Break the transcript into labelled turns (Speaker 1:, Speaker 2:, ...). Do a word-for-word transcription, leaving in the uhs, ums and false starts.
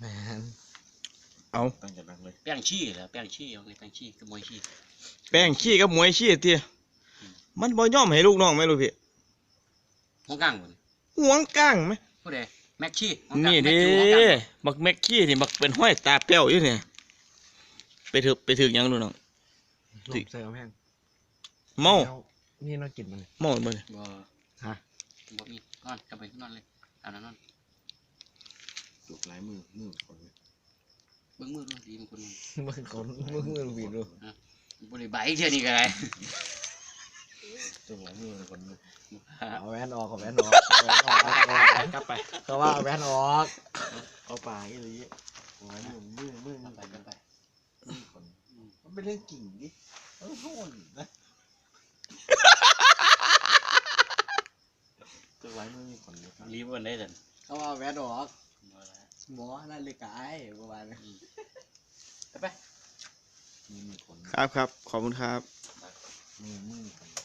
Speaker 1: แมน
Speaker 2: เอา
Speaker 3: ตั้งใจนั่งเลย
Speaker 4: แป้งชี้เหรอแป้งชี้เอาไงแป้งชี้กับมวยชี้
Speaker 2: แป้งขี้กับมวยขี้เตี้ยมันบ่ยอมให้ลูกน้องไหมลูกพี่
Speaker 4: หัวก้างบ่
Speaker 2: ห่วงก้างไหม
Speaker 4: ผู้ใดแม็กชี้
Speaker 2: นี่ดิบักแม็กขี้นี่บักเป็นห้อยตาเป้วอยู่เนี่ยไปถึกไปถึกยังดูน้อง
Speaker 1: ลมเสือแม่ง
Speaker 2: เมา
Speaker 1: นี่เรากินมัน
Speaker 2: เมาบ่เนี่ย
Speaker 4: บ่
Speaker 1: ฮะ
Speaker 4: บ่มีนอนกลับไปนอนเลยเอานอนนอน
Speaker 3: จุกลายมือมือคนเลย
Speaker 4: เบิ่งมือดูดีมันคนนึง
Speaker 1: มึงคนมึงมึงบีบดู
Speaker 4: บ่ได้ใบเท่านี้ก็ได้
Speaker 3: จุกลายมือคนนึง
Speaker 1: เอาแว่นออกเอาแว่นออกเอาแว่นออกกลับไปก็ว่าเอาแว่นออก
Speaker 3: เอาปลาอีหลีลายมือมือมือ
Speaker 4: ไปกันไป
Speaker 3: มือคนมันเป็นเรื่องกิ่งดิเออโหนนะจุกลายมือมีคนเลยครับ
Speaker 4: รีบวันได้ซั่น
Speaker 1: เขาว่าเอาแว่นออก
Speaker 4: บ่ละ
Speaker 1: หมอนั่นเลยกายประมาณนี้
Speaker 4: ไปไป
Speaker 3: มีมีคน
Speaker 2: ครับครับขอบคุณครับ
Speaker 3: มือมือคน